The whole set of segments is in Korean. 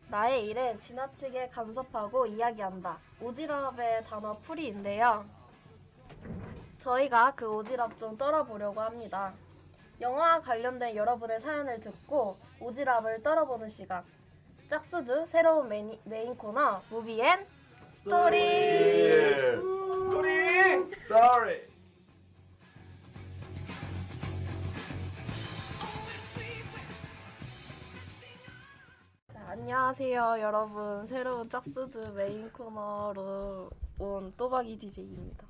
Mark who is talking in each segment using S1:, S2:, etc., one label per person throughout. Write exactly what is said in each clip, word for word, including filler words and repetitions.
S1: 나의 일에 지나치게 간섭하고 이야기한다. 오지랖의 단어 풀이인데요. 저희가 그 오지랖 좀 떨어보려고 합니다. 영화 관련된 여러분의 사연을 듣고 오지랖을 떨어보는 시간. 짝수주 새로운 메인, 메인 코너 무비 앤 스토리.
S2: 스토리! 스토리!
S1: 자, 안녕하세요 여러분. 새로운 짝수주 메인 코너로 온 또박이 디제이입니다.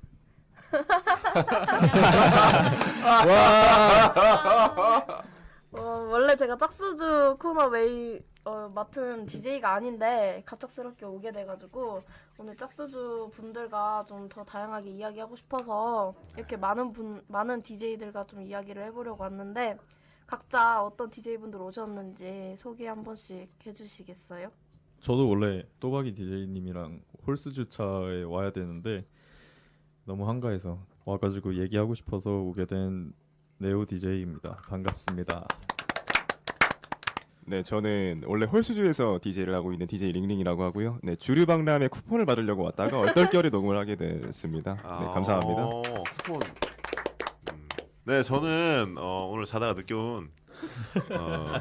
S1: 어, 원래 제가 짝수주 코너 메인 어, 맡은 디제이가 아닌데 갑작스럽게 오게 돼가지고 오늘 짝수주 분들과 좀 더 다양하게 이야기하고 싶어서 이렇게 많은 분 많은 디제이들과 좀 이야기를 해보려고 왔는데 각자 어떤 디제이분들 오셨는지 소개 한 번씩 해주시겠어요?
S3: 저도 원래 또박이 디제이님이랑 홀스 주차에 와야 되는데 너무 한가해서 와가지고 얘기하고 싶어서 오게 된 네오 디제이입니다. 반갑습니다.
S2: 네, 저는 원래 홀수주에서 디제이를 하고 있는 디제이 링링이라고 하고요. 네, 주류박람회 쿠폰을 받으려고 왔다가 얼떨결에 녹음을 하게 됐습니다. 네, 감사합니다.
S4: 어, 쿠폰. 음. 네, 저는 어, 오늘 자다가 늦게 온 어,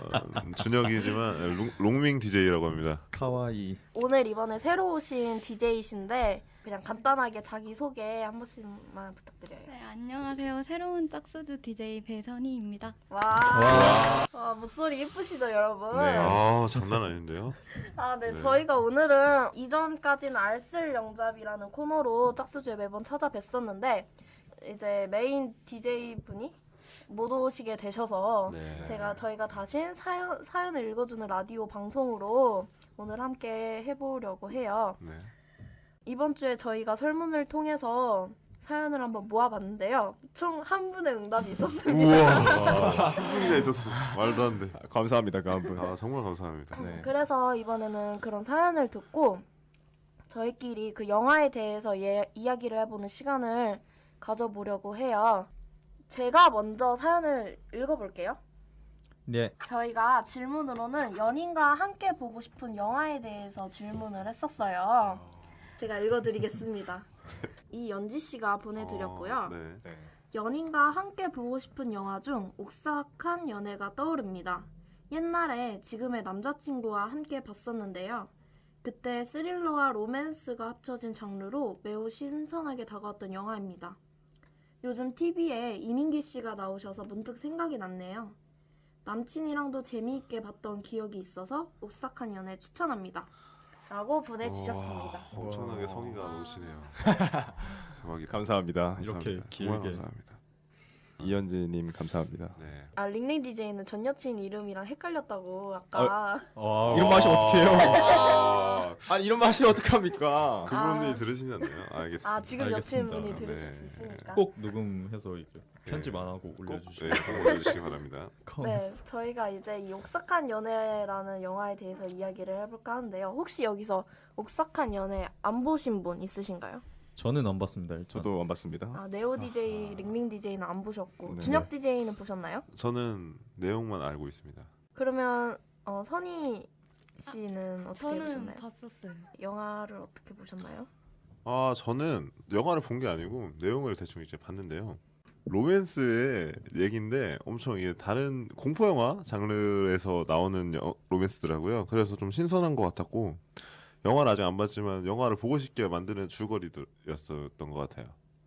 S4: 준혁이지만 롱, 롱밍 디제이라고 합니다.
S3: 카와이.
S1: 오늘 이번에 새로 오신 디제이신데 그냥 간단하게 자기 소개 한 번씩만 부탁드려요.
S5: 네, 안녕하세요. 새로운 짝수주 디제이 배선희입니다.
S1: 와,
S3: 와.
S1: 와, 목소리 예쁘시죠 여러분?
S2: 네.
S4: 아, 장난 아닌데요?
S1: 아, 네.
S4: 네.
S1: 저희가 오늘은 이전까지는 알쓸 영잡이라는 코너로 짝수주에 매번 찾아뵀었는데 이제 메인 디제이 분이 못 오시게 되셔서
S4: 네.
S1: 제가 저희가 다시 사연, 사연을 읽어주는 라디오 방송으로 오늘 함께 해보려고 해요.
S4: 네.
S1: 이번 주에 저희가 설문을 통해서 사연을 한번 모아봤는데요. 총 한 분의 응답이 있었습니다.
S4: 우와, 한 분이나 있었어. 말도 안 돼.
S2: 아, 감사합니다, 그 한 분.
S4: 아, 정말 감사합니다.
S2: 네.
S1: 그래서 이번에는 그런 사연을 듣고 저희끼리 그 영화에 대해서 예, 이야기를 해보는 시간을 가져보려고 해요. 제가 먼저 사연을 읽어볼게요.
S3: 네.
S1: 저희가 질문으로는 연인과 함께 보고 싶은 영화에 대해서 질문을 했었어요. 제가 읽어드리겠습니다. 이연지 씨가 보내드렸고요.
S4: 어, 네.
S2: 네.
S1: 연인과 함께 보고 싶은 영화 중 옥삭한 연애가 떠오릅니다. 옛날에 지금의 남자친구와 함께 봤었는데요. 그때 스릴러와 로맨스가 합쳐진 장르로 매우 신선하게 다가왔던 영화입니다. 요즘 티비에 이민기 씨가 나오셔서 문득 생각이 났네요. 남친이랑도 재미있게 봤던 기억이 있어서 옥삭한 연애 추천합니다. 라고 보내주셨습니다.
S4: 와, 엄청나게
S2: 와.
S4: 성의가 넘치네요. 대박이다.
S2: 감사합니다.
S3: 이렇게
S4: 감사합니다.
S3: 길게.
S4: 정말 감사합니다.
S2: 이현지님 감사합니다.
S4: 네.
S1: 아, 링링 디제이는 전 여친 이름이랑 헷갈렸다고 아까.
S3: 와.
S2: 이런 맛이 어떡해요?
S4: 아,
S2: 아, 이런 맛이 어떡합니까?
S4: 그분이
S1: 아.
S4: 들으시지 않나요? 알겠습니다.
S1: 아, 지금
S3: 알겠습니다.
S1: 여친분이 들으실
S4: 네.
S1: 수 있으니까.
S3: 꼭 녹음해서 이제 편집 안 하고
S4: 꼭
S3: 올려주시고.
S4: 네, 꼭 올려주시기 바랍니다.
S1: 네, 저희가 이제 이 옥삭한 연애라는 영화에 대해서 이야기를 해볼까 하는데요. 혹시 여기서 옥삭한 연애 안 보신 분 있으신가요?
S3: 저는 안 봤습니다. 일단.
S2: 저도 안 봤습니다.
S1: 아, 네오 디제이, 링링 디제이는 안 보셨고
S2: 네.
S1: 준혁 디제이는 보셨나요?
S4: 저는 내용만 알고 있습니다.
S1: 그러면 어, 선희 씨는 어떻게
S5: 저는
S1: 보셨나요?
S5: 봤었어요.
S1: 영화를 어떻게 보셨나요?
S4: 아, 저는 영화를 본 게 아니고 내용을 대충 이제 봤는데요. 로맨스의 얘기인데 엄청 이게 다른 공포 영화 장르에서 나오는 여, 로맨스더라고요. 그래서 좀 신선한 것 같았고 영화를 아직 안 봤지만 영화를 보고 싶게 만드는 줄거리였었던 것 같아요.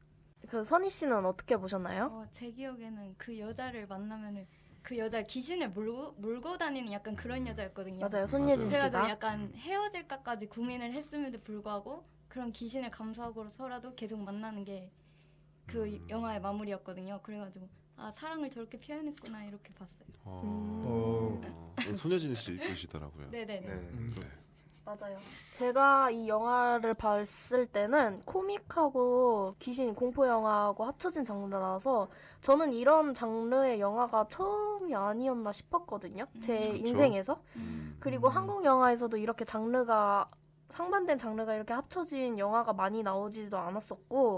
S1: 그 선희 씨는 어떻게 보셨나요?
S5: 어, 제 기억에는 그 여자를 만나면은 그 여자 귀신을 몰고 몰고 다니는 약간 그런 여자였거든요.
S1: 맞아요, 손예진
S4: 맞아요.
S5: 그래가지고
S1: 씨가.
S5: 약간 헤어질까까지 고민을 했음에도 불구하고 그런 귀신을 감수하고서라도 계속 만나는 게 그
S4: 음.
S5: 영화의 마무리였거든요. 그래가지고 아 사랑을 저렇게 표현했구나 이렇게 봤어요.
S4: 어,
S1: 음.
S4: 어, 손예진 씨 이쁘시더라고요.
S5: 네네네.
S2: 음.
S4: 네.
S1: 맞아요. 제가 이 영화를 봤을 때는 코믹하고 귀신 공포 영화하고 합쳐진 장르라서 저는 이런 장르의 영화가 처음이 아니었나 싶었거든요. 제
S5: 음.
S4: 그쵸?
S1: 인생에서.
S5: 음.
S1: 그리고
S3: 음.
S1: 한국 영화에서도 이렇게 장르가 상반된 장르가 이렇게 합쳐진 영화가 많이 나오지도 않았었고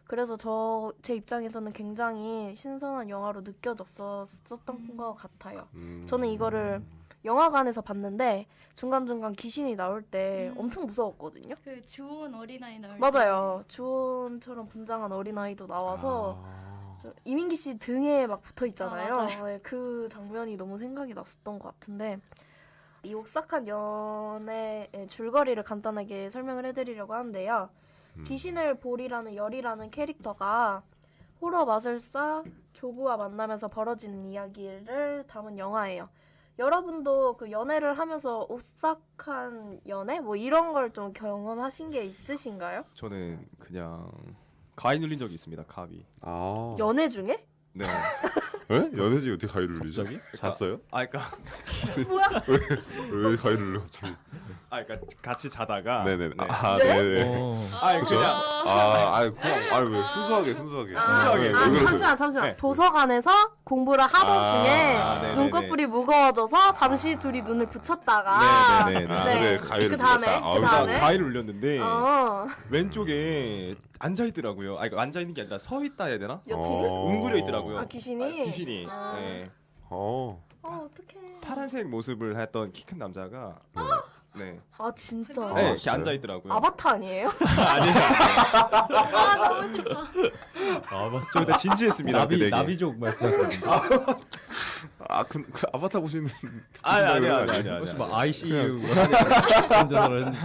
S1: 그래서 저 제 입장에서는 굉장히 신선한 영화로 느껴졌었던
S5: 음.
S1: 것 같아요.
S4: 음.
S1: 저는 이거를 영화관에서 봤는데 중간중간 귀신이 나올 때
S5: 음.
S1: 엄청 무서웠거든요.
S5: 그 주온 어린아이 나올
S1: 맞아요. 주온처럼 분장한 어린아이도 나와서
S4: 아.
S1: 저 이민기 씨 등에 막 붙어 있잖아요.
S5: 아, 맞아요.
S1: 네, 그 장면이 너무 생각이 났었던 것 같은데 이 옥삭한 연애의 줄거리를 간단하게 설명을 해드리려고 하는데요.
S4: 음.
S1: 귀신을 볼이라는 열이라는 캐릭터가 호러 마술사 조구와 만나면서 벌어지는 이야기를 담은 영화예요. 여러분도 그 연애를 하면서 오싹한 연애 뭐 이런 걸 좀 경험하신 게 있으신가요?
S2: 저는 그냥 가위 눌린 적이 있습니다. 가위.
S4: 아.
S1: 연애 중에?
S2: 네.
S4: 에? 연애지 어떻게 가위를 눌리죠?
S3: 갑자기?
S4: 잤어요?
S2: 아 그러니까
S1: 뭐야?
S4: 왜 가위를 눌려 갑자기?
S2: 아 그러니까 같이 자다가
S4: 네네.
S2: 네.
S4: 아,
S1: 네?
S4: 네네.
S3: 어.
S2: 아 이거 그냥
S4: 아, 아, 그냥, 아, 왜 순수하게, 순수하게.
S1: 아,
S2: 순수하게.
S4: 네,
S1: 아,
S4: 왜 그러세요?
S1: 잠시만 잠시만
S2: 네.
S1: 도서관에서 공부를 하던
S4: 아,
S1: 중에
S2: 아, 네네네.
S1: 눈꺼풀이 무거워져서 잠시 둘이 눈을 붙였다가
S2: 네네네.
S4: 아,
S1: 네.
S4: 그래, 가위를
S1: 그 다음에
S4: 눌렀다. 아,
S1: 그
S2: 그러니까
S1: 다음에
S2: 가위를 눌렸는데
S1: 어
S2: 왼쪽에 앉아 있더라고요. 아 이거 앉아 있는 게 아니라 서 있다 해야 되나?
S1: 여친이?
S4: 어.
S2: 웅그려 있더라고요.
S1: 아 귀신이?
S2: 아, 귀신이.
S1: 아.
S2: 네.
S4: 어.
S1: 어 어떡해.
S2: 파란색 모습을 했던 키 큰 남자가 네.
S1: 아 진짜.
S2: 네, 이렇게
S4: 진짜요?
S2: 앉아 있더라고요.
S1: 아바타 아니에요?
S2: 아니에요.
S5: 아 너무 싫다.
S3: 아 맞죠.
S2: 저 그때 진지했습니다.
S3: 나비
S2: 그때 되게.
S3: 나비족 말씀하시는 분.
S4: 아, 그, 그 아바타 보시는.
S2: 아니 아니
S4: 그런
S2: 아니
S4: 거
S2: 아니 아니.
S3: 혹시
S2: 아니.
S3: 막 아이씨유 그런 데서를 했는데.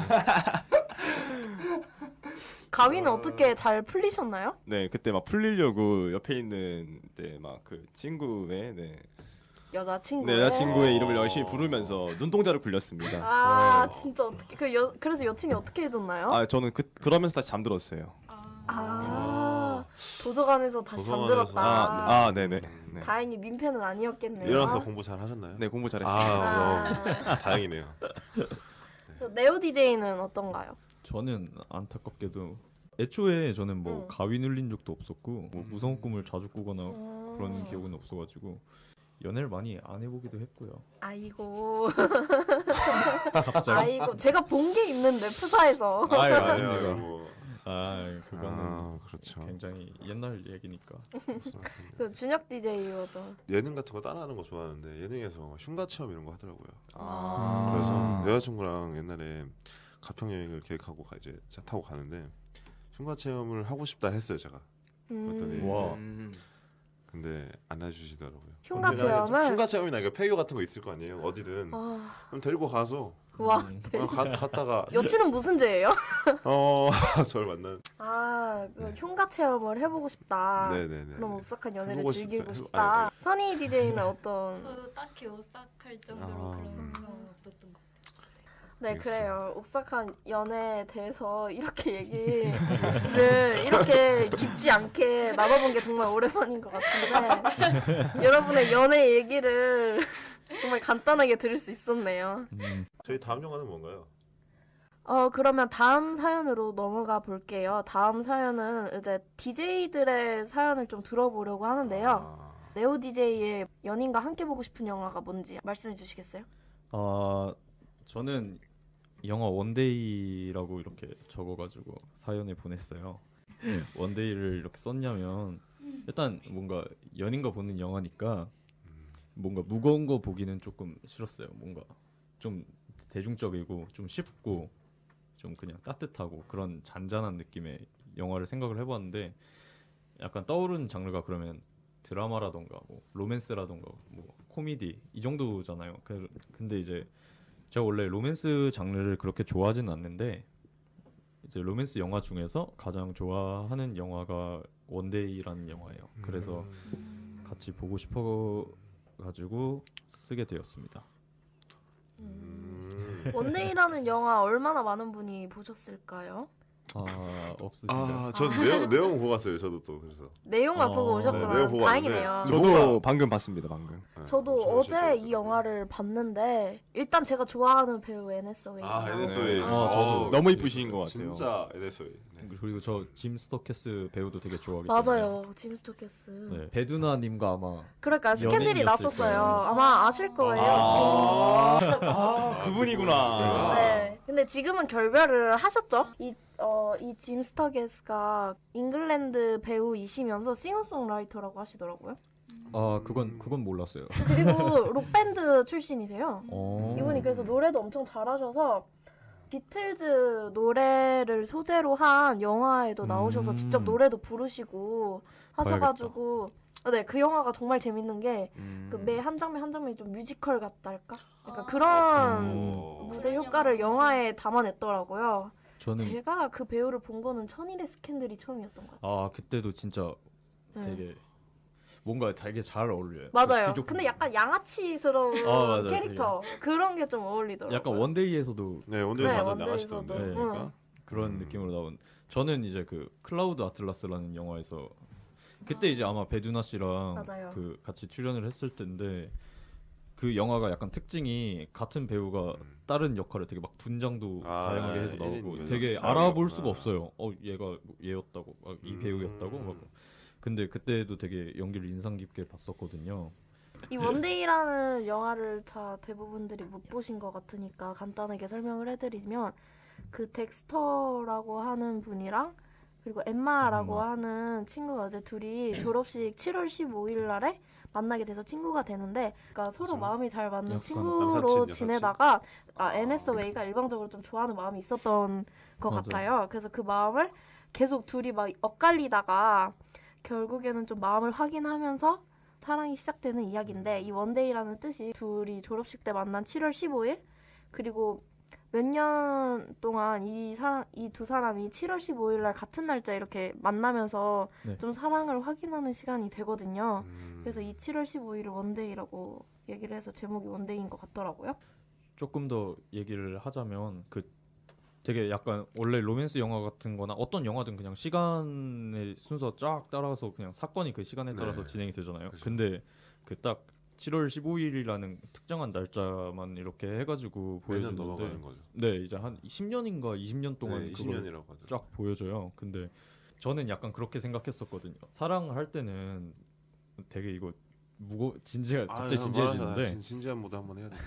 S1: 가위는 어떻게 잘 풀리셨나요?
S2: 네, 그때 막 풀리려고 옆에 있는 네, 막 그 친구의 네,
S1: 여자친구.
S2: 네 여자친구의 이름을 열심히 부르면서 눈동자를 굴렸습니다.
S1: 아
S2: 어.
S1: 진짜 어떻게 그 여, 그래서 여친이 어떻게 해줬나요?
S2: 아 저는 그 그러면서 다시 잠들었어요.
S5: 아,
S1: 아, 도서관에서 다시
S4: 도서관에서.
S1: 잠들었다.
S2: 아, 아 네네. 네.
S1: 다행히 민폐는 아니었겠네요.
S4: 일어나서 공부 잘 하셨나요?
S2: 네 공부 잘했어요.
S4: 아,
S1: 아,
S4: 그럼 다행이네요.
S1: 저 네오 디제이는 어떤가요?
S3: 저는 안타깝게도 애초에 저는 뭐
S1: 응.
S3: 가위 눌린 적도 없었고 뭐 무서운 꿈을 자주 꾸거나
S1: 음.
S3: 그런 기억은 없어가지고 연애를 많이 안 해보기도 했고요.
S1: 아이고,
S3: 갑자기?
S1: 아이고, 제가 본 게 있는데 푸사에서.
S3: 아유
S4: 아니요,
S3: 아닙니다.
S4: 뭐.
S3: 아 그거는
S4: 아, 그렇죠.
S3: 굉장히 옛날 얘기니까.
S1: 그 준혁 디제이죠.
S4: 예능 같은 거 따라하는 거 좋아하는데 예능에서 흉가 체험 이런 거 하더라고요.
S1: 아.
S4: 그래서 여자친구랑 옛날에 가평 여행을 계획하고 가 이제 차 타고 가는데 흉가 체험을 하고 싶다 했어요 제가. 그랬더니
S1: 음.
S3: 와.
S2: 음.
S4: 근데 안 해주시더라고요.
S1: 흉가
S4: 근데 나
S1: 체험을?
S4: 흉가 체험이나 이거 폐교 같은 거 있을 거 아니에요. 어디든
S1: 아,
S4: 그럼 데리고 가서
S1: 와,
S3: 음.
S4: 그냥 가, 갔다가
S1: 여친은 무슨 죄예요?
S4: 어 저를 만난.
S1: 아, 그
S4: 네.
S1: 흉가 체험을 해보고 싶다.
S4: 네네네.
S1: 그럼 오싹한 연애를
S4: 해보고
S1: 즐기고
S4: 싶다.
S1: 싶다.
S4: 아니,
S1: 선희 디제이는 어떤?
S5: 저도 딱히 오싹할 정도로
S4: 아,
S5: 그런
S4: 음.
S5: 경험 없었던 것 같아요.
S1: 네,
S4: 알겠습니다.
S1: 그래요. 옥삭한 연애에 대해서 이렇게 얘기를 이렇게 깊지 않게 나눠본 게 정말 오랜만인 것 같은데 여러분의 연애 얘기를 정말 간단하게 들을 수 있었네요.
S3: 음.
S4: 저희 다음 영화는 뭔가요?
S1: 어, 그러면 다음 사연으로 넘어가 볼게요. 다음 사연은 이제 디제이들의 사연을 좀 들어보려고 하는데요.
S4: 아,
S1: 네오 디제이의 연인과 함께 보고 싶은 영화가 뭔지 말씀해 주시겠어요?
S3: 아 저는 영화 원데이라고 이렇게 적어가지고 사연을 보냈어요. 원데이를 이렇게 썼냐면 일단 뭔가 연인과 보는 영화니까 뭔가 무거운 거 보기는 조금 싫었어요. 뭔가 좀 대중적이고 좀 쉽고 좀 그냥 따뜻하고 그런 잔잔한 느낌의 영화를 생각을 해봤는데 약간 떠오르는 장르가 그러면 드라마라던가 뭐 로맨스라던가 뭐 코미디 이 정도잖아요. 그, 근데 이제 제가 원래 로맨스 장르를 그렇게 좋아하지는 않는데 이제 로맨스 영화 중에서 가장 좋아하는 영화가 원데이라는 영화예요. 그래서
S4: 음.
S3: 같이 보고 싶어 가지고 쓰게 되었습니다.
S4: 음.
S1: 원데이라는 영화 얼마나 많은 분이 보셨을까요?
S3: 아 없으신가요?
S4: 아, 전 내용 내용 보고 갔어요. 저도 또 그래서.
S1: 내용만
S3: 어,
S1: 보고
S3: 네,
S1: 오셨구나.
S4: 내용 보고
S1: 다행이네요.
S4: 왔는데
S2: 저도
S4: 뭐가-
S2: 방금 봤습니다. 방금.
S4: 네,
S1: 저도
S4: 엄청
S1: 어제
S4: 재밌었더라고요.
S1: 이 영화를 봤는데 일단 제가 좋아하는 배우 애네스웨이.
S4: 아,
S2: 네.
S4: 에네스웨이.
S3: 어, 저도
S2: 너무 이쁘신 것 같아요.
S4: 진짜 에네스웨이. 네.
S3: 그리고 저 짐 스토캐스 배우도 되게 좋아하기
S1: 맞아요. 짐 스토캐스.
S3: 때문에. 네, 배두나님과 아마
S1: 그러니까 스캔들이
S3: 연예인이었을
S1: 났었어요.
S3: 거예요.
S1: 아마 아실 거예요.
S2: 아, 아 그분이구나.
S1: 네. 근데 지금은 결별을 하셨죠? 이, 어, 이 짐 스터게스가 잉글랜드 배우이시면서 싱어송라이터라고 하시더라고요.
S3: 아 그건 그건 몰랐어요.
S1: 그리고 록밴드 출신이세요.
S3: 어.
S1: 이분이 그래서 노래도 엄청 잘하셔서 비틀즈 노래를 소재로 한 영화에도 나오셔서
S3: 음.
S1: 직접 노래도 부르시고 하셔가지고 네, 그 영화가 정말 재밌는 게 그 매 한 장면 한 장면이 좀 뮤지컬 같달까? 약간
S5: 아.
S1: 그런
S3: 오.
S1: 무대 효과를 영화에 담아냈더라고요.
S3: 저는
S1: 제가 그 배우를 본 거는 천일의 스캔들이 처음이었던 것 같아요.
S3: 아 그때도 진짜
S1: 네.
S3: 되게 뭔가 되게 잘 어울려요.
S1: 맞아요.
S3: 그 귀족
S1: 근데 약간 양아치스러운
S3: 아, 맞아요.
S1: 캐릭터 그런 게 좀 어울리더라고요.
S3: 약간 원데이에서도
S4: 네, 원데이에서
S1: 네,
S4: 완전
S1: 원데이에서도.
S4: 나가시던데.
S3: 네.
S4: 그러니까.
S3: 그런
S4: 음.
S3: 느낌으로 나온. 저는 이제 그 클라우드 아틀라스라는 영화에서 그때 이제 아마 배두나 씨랑
S1: 맞아요.
S3: 그 같이 출연을 했을 텐데 그 영화가 약간 특징이 같은 배우가
S4: 음.
S3: 다른 역할을 되게 막 분장도
S4: 아,
S3: 다양하게 해서
S4: 일
S3: 나오고
S4: 인
S3: 되게
S4: 면접
S3: 알아볼
S4: 다르구나.
S3: 수가 없어요. 어 얘가 얘였다고 아, 이
S4: 음.
S3: 배우였다고 막. 근데 그때도 되게 연기를 인상 깊게 봤었거든요.
S1: 이 원데이라는 영화를 자 대부분들이 못 보신 것 같으니까 간단하게 설명을 해드리면 그 덱스터라고 하는 분이랑 그리고 엠마라고
S3: 엠마.
S1: 하는 친구가 이제 둘이 졸업식 칠월 십오일 날에 만나게 돼서 친구가 되는데 그러니까 서로
S4: 그죠.
S1: 마음이 잘 맞는
S3: 약간
S1: 친구로
S4: 남사친, 여사친.
S1: 지내다가 아,
S4: 아.
S1: 에네스 웨이가 일방적으로 좀 좋아하는 마음이 있었던 것
S3: 맞아요.
S1: 같아요. 그래서 그 마음을 계속 둘이 막 엇갈리다가 결국에는 좀 마음을 확인하면서 사랑이 시작되는 이야기인데 이 원데이라는 뜻이 둘이 졸업식 때 만난 칠월 십오일 그리고 몇 년 동안 이 사람 이 두 사람이 칠월 십오일 날 같은 날짜 이렇게 만나면서
S3: 네.
S1: 좀 사랑을 확인하는 시간이 되거든요.
S4: 음.
S1: 그래서 이 칠월 십오일을 원데이라고 얘기를 해서 제목이 원데이인 것 같더라고요.
S3: 조금 더 얘기를 하자면 그 되게 약간 원래 로맨스 영화 같은 거나 어떤 영화든 그냥 시간의 순서 쫙 따라서 그냥 사건이 그 시간에 따라서
S4: 네.
S3: 진행이 되잖아요.
S4: 그죠.
S3: 근데 그 딱 칠월 십오일이라는 특정한 날짜만 이렇게 해가지고
S4: 매년
S3: 보여주는데
S4: 넘어가는 거죠.
S3: 네 이제 한 십 년인가 이십 년 동안
S4: 네,
S3: 그걸
S4: 이십 년이라고 하죠.
S3: 쫙 보여줘요. 근데 저는 약간 그렇게 생각했었거든요. 사랑을 할 때는 되게 이거 무거 진지해 갑자기 진지해지는데
S4: 진, 진지한 모드 한번 해야 돼.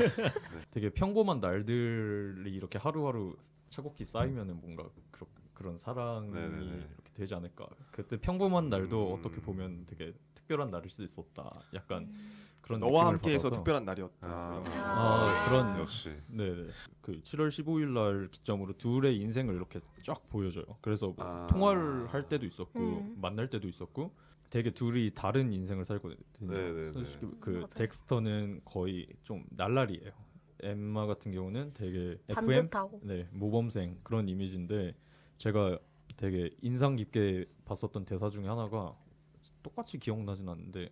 S3: 되게 평범한 날들이 이렇게 하루하루 차곡히 쌓이면은 뭔가 그런 그런 사랑이
S4: 네네네.
S3: 이렇게 되지 않을까. 그때 평범한 날도
S4: 음.
S3: 어떻게 보면 되게 특별한 날일 수 있었다. 약간 그런
S2: 너와
S3: 느낌을
S2: 함께해서
S3: 받아서.
S2: 특별한 날이었다.
S4: 아,
S3: 아, 그런
S4: 역시.
S3: 네네. 그 칠월 십오일 날 기점으로 둘의 인생을 이렇게 쫙 보여줘요. 그래서 뭐
S4: 아.
S3: 통화를 할 때도 있었고
S1: 음.
S3: 만날 때도 있었고 되게 둘이 다른 인생을 살거든요.
S4: 네네네.
S3: 솔직히 그
S1: 맞아요.
S3: 덱스터는 거의 좀 날라리예요. 엠마 같은 경우는 되게 에프엠
S1: 반듯하고.
S3: 네 모범생 그런 이미지인데 제가 되게 인상 깊게 봤었던 대사 중에 하나가 똑같이 기억나진 않는데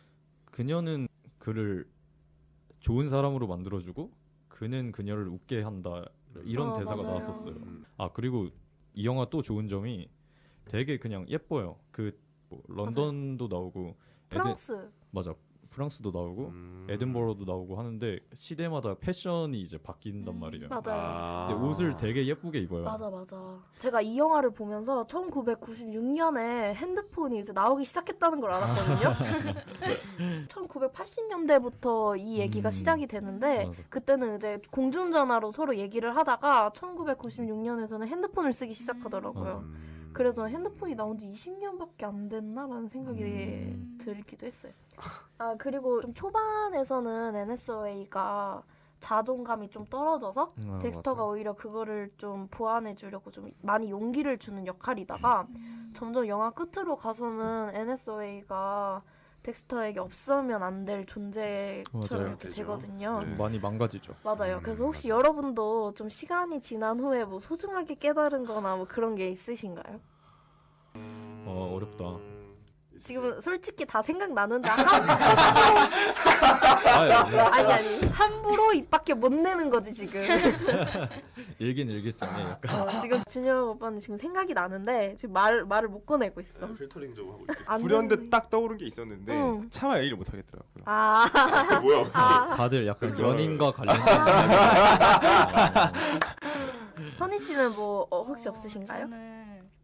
S3: 그녀는 그를 좋은 사람으로 만들어주고 그는 그녀를 웃게 한다 이런
S1: 어,
S3: 대사가
S1: 맞아요.
S3: 나왔었어요.
S4: 음.
S3: 아 그리고 이 영화 또 좋은 점이 되게 그냥 예뻐요. 그 뭐 런던도 나오고 에든-
S1: 프랑스.
S3: 맞아 프랑스도 나오고
S4: 음.
S3: 에든버러도 나오고 하는데 시대마다 패션이 이제 바뀐단 말이에요.
S1: 맞아요.
S4: 아.
S3: 근데 옷을 되게 예쁘게 입어요.
S1: 맞아 맞아. 제가 이 영화를 보면서 천구백구십육 년에 핸드폰이 이제 나오기 시작했다는 걸 알았거든요. 천구백팔십 년대부터 이 얘기가
S3: 음.
S1: 시작이 되는데
S3: 맞아.
S1: 그때는 이제 공중전화로 서로 얘기를 하다가 천구백구십육 년에서는 핸드폰을 쓰기 시작하더라고요.
S4: 음.
S1: 그래서 핸드폰이 나온 지 이십 년밖에 안 됐나라는 생각이
S3: 음.
S1: 들기도 했어요. 아 그리고 좀 초반에서는 엔에스웨이가 자존감이 좀 떨어져서
S3: 아,
S1: 덱스터가
S3: 맞아.
S1: 오히려 그거를 좀 보완해 주려고 좀 많이 용기를 주는 역할이다가 점점 영화 끝으로 가서는 엔에스웨이가 덱스터에게 없으면 안 될 존재처럼
S3: 맞아요.
S1: 이렇게
S4: 되죠.
S1: 되거든요.
S4: 네.
S3: 좀 많이 망가지죠.
S1: 맞아요.
S4: 음,
S1: 그래서 혹시
S4: 맞아요.
S1: 여러분도 좀 시간이 지난 후에 뭐 소중하게 깨달은 거나 뭐 그런 게 있으신가요?
S3: 어 어렵다.
S1: 지금 솔직히 다 생각나는데 한,
S3: 아, 예.
S1: 아니 아니 함부로 입 밖에 못 내는 거지 지금.
S3: 일긴 일겠잖아요. 약간.
S1: 어, 지금 준영 오빠는 지금 생각이 나는데 지금 말 말을 못 꺼내고 있어.
S4: 네, 필터링 좀 하고 있죠.
S1: 안
S2: 불현듯
S1: 되는데.
S2: 딱 떠오른 게 있었는데
S1: 응.
S2: 차마 얘기를 못 하겠더라고요.
S1: 아,
S4: 아, 뭐야?
S1: 아
S3: 다들 약간
S4: 그거-
S3: 연인과 관련된
S1: 선희 씨는 뭐 어, 혹시
S5: 어,
S1: 없으신가요?
S5: 저는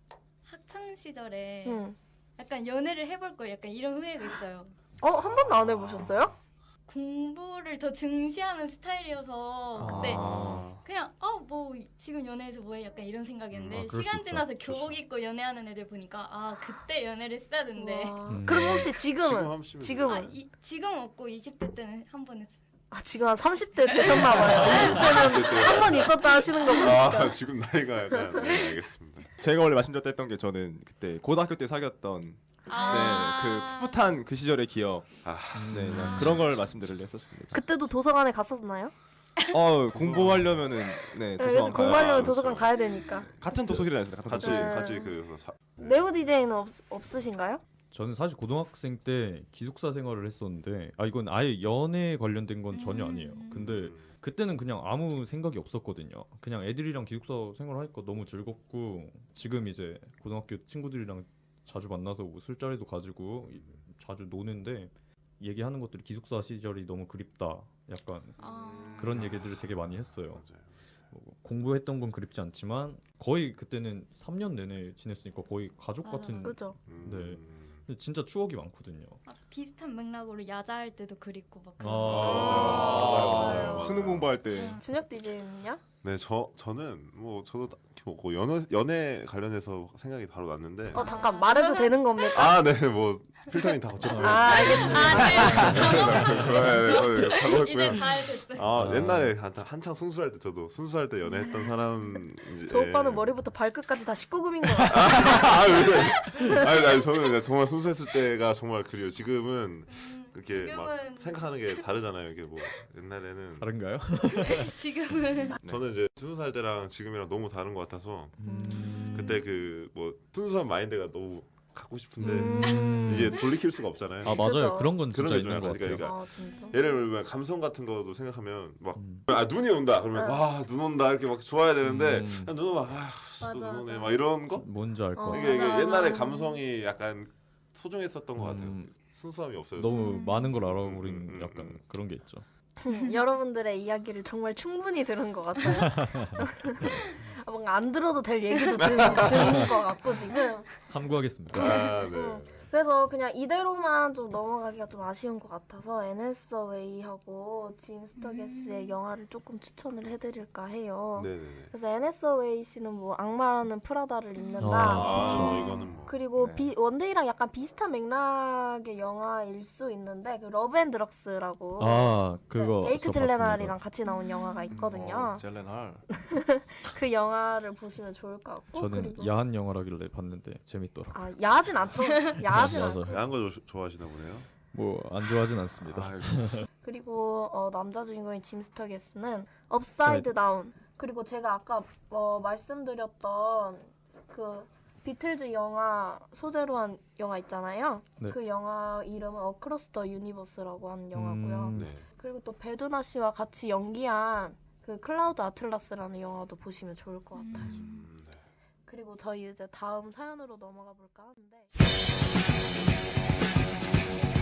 S5: 시절에
S1: 응.
S5: 약간 연애를 해볼 걸 약간 이런 후회가 있어요.
S1: 어, 한 번도 안 해보셨어요?
S5: 공부를 더 중시하는 스타일이어서 그때
S3: 아.
S5: 그냥 아 뭐 지금 연애해서 뭐해 약간 이런 생각이었는데
S3: 음, 아, 그럴 수
S5: 시간
S3: 있죠.
S5: 지나서
S4: 그렇죠.
S5: 교복 입고 연애하는 애들 보니까 아 그때 연애를 했어야 되는데
S1: 와.
S3: 음.
S1: 그럼 혹시
S4: 지금
S1: 지금은?
S4: 하시면
S1: 지금은?
S5: 아, 이, 지금 없고 이십 대 때는 한 번 했어요.
S1: 아, 지금 한 삼십 대 되셨나봐요. 이십 대는 한 번 있었다 하시는 거 보니까.
S4: 아 지금 나이가 약간 네, 알겠습니다.
S2: 제가 원래 말씀드렸다 했던 게 저는 그때 고등학교 때 사귀었던
S5: 아.
S2: 네, 그 풋풋한 그 시절의 기억
S4: 아,
S2: 네, 그냥
S1: 아.
S2: 그런 걸 말씀드리려 했었습니다.
S1: 그때도 도서관에 갔었나요?
S2: 어 공부하려면은 네
S1: 네,
S2: 도서관
S1: 그래서 공부하려면
S2: 가야
S1: 도서관
S4: 그렇죠.
S1: 가야 되니까.
S2: 같은 도서실에 다녔습니다. 같은
S4: 같이
S2: 도서실.
S1: 네.
S4: 같이 그 사,
S1: 네오 디제이는 없, 없으신가요?
S3: 저는 사실 고등학생 때 기숙사 생활을 했었는데 아 이건 아예 연애에 관련된 건 전혀 아니에요.
S5: 음.
S3: 근데 그때는 그냥 아무 생각이 없었거든요. 그냥 애들이랑 기숙사 생활하니까 너무 즐겁고 지금 이제 고등학교 친구들이랑 자주 만나서 뭐 술자리도 가지고 이- 자주 노는데 얘기하는 것들이 기숙사 시절이 너무 그립다. 약간
S5: 아.
S3: 그런 얘기들을 되게 많이 했어요.
S4: 맞아요.
S3: 뭐 공부했던 건 그립지 않지만 거의 그때는 삼 년 내내 지냈으니까 거의 가족
S5: 맞아,
S3: 같은
S1: 그죠.
S4: 음,
S3: 네. 근데 진짜 추억이 많거든요.
S5: 아, 비슷한 맥락으로 야자할 때도 그립고 막
S3: 아,
S5: 그런
S3: 맞아요.
S1: 맞아요, 맞아요.
S2: 수능 공부할 때
S5: 응.
S1: 준혁 디제이는요?
S4: 네, 저 저는 뭐 저도 딱히 뭐 그 연애 연애 관련해서 생각이 바로 났는데
S1: 어, 잠깐 말해도 되는 겁니까?
S4: 아, 네, 뭐 필터링 다 거쳤고요.
S1: 아, 알겠습니다.
S4: 네, 네, 작업했고요.
S5: 이제 다 됐어요.
S4: 아,
S3: 아.
S4: 옛날에 한창, 한창 순수할 때 저도 순수할 때 연애했던 사람 이제
S1: 저 오빠는
S4: 예.
S1: 머리부터 발끝까지 다 십구 금인 거 같아요.
S4: 아, 왜? 아니, 아니 저는 그냥 정말 순수했을 때가 정말 그리워. 지금은
S5: 음,
S4: 그렇게 막
S5: 지금은
S4: 생각하는 게 다르잖아요. 이게 뭐 옛날에는
S3: 다른가요?
S5: 지금은
S4: 저는 이제 스무 살 때랑 지금이랑 너무 다른 것 같아서
S1: 음.
S4: 그때 그 뭐 순수한 마인드가 너무 갖고 싶은데
S1: 음.
S4: 이게 돌이킬 수가 없잖아요.
S3: 아 맞아요.
S1: 그죠.
S3: 그런 건
S4: 그런
S3: 진짜
S4: 게 좀
S3: 있는 것
S4: 약간
S3: 같아요.
S4: 그러니까
S1: 아, 진짜?
S4: 예를 들면 감성 같은 거도 생각하면 막
S3: 음.
S4: 아 눈이 온다 그러면
S1: 응.
S4: 와 눈 온다 이렇게 막 좋아야 되는데
S3: 음.
S4: 야, 눈 오면
S1: 맞아,
S4: 아눈 오네
S1: 맞아.
S4: 막 이런 거
S3: 뭔지 알 것
S1: 어.
S3: 같아요.
S4: 이게, 이게
S5: 맞아,
S4: 옛날에
S5: 맞아.
S4: 감성이 약간 소중했었던 것 같아요.
S3: 음.
S4: 순수함이 없어졌어.
S3: 너무
S5: 음.
S3: 많은 걸 알아버린
S4: 음, 음,
S3: 약간
S4: 음.
S3: 그런 게 있죠.
S1: 여러분들의 이야기를 정말 충분히 들은 것 같아요. 아, 뭔가 안 들어도 될 얘기도 들, 듣는 것 같고 지금.
S3: 함구하겠습니다.
S4: 아, 네.
S1: 음. 그래서 그냥 이대로만 좀 넘어가기가 좀 아쉬운 것 같아서 애네서웨이하고 짐 스터게스의
S5: 음.
S1: 영화를 조금 추천을 해드릴까 해요.
S4: 네네네.
S1: 그래서 애네서웨이 씨는 뭐 악마라는 프라다를 입는다.
S3: 아,
S4: 아,
S3: 그렇죠.
S4: 이거는 뭐.
S1: 그리고
S4: 네.
S1: 비, 원데이랑 약간 비슷한 맥락의 영화일 수 있는데 그 러브앤드럭스라고
S3: 아 그거
S1: 네, 제이크
S3: 저
S1: 질레날이랑
S3: 봤습니다.
S1: 같이 나온 영화가 있거든요.
S2: 어, 젤렌할.
S1: 그 영화를 보시면 좋을 것 같고
S3: 저는
S1: 그리고
S3: 야한 영화라길래 봤는데 재밌더라고.
S1: 아 야하진 않죠. 야하진
S3: 맞아.
S1: 않고
S4: 야한 거 조- 좋아하시나 보네요.
S3: 뭐 안 좋아하진 않습니다.
S4: 아이고.
S1: 그리고 어, 남자 주인공인 짐 스터게스는 업사이드 다운 그리고 제가 아까 어, 말씀드렸던 그 비틀즈 영화 소재로 한 영화 있잖아요.
S3: 네.
S1: 그 영화 이름은 어크로스 더 유니버스라고 하는 영화고요.
S3: 음.
S4: 네.
S1: 그리고 또 베두나 씨와 같이 연기한 그 클라우드 아틀라스라는 영화도 보시면 좋을 것 같아요.
S4: 음, 네.
S1: 그리고 저희 이제 다음 사연으로 넘어가 볼까 하는데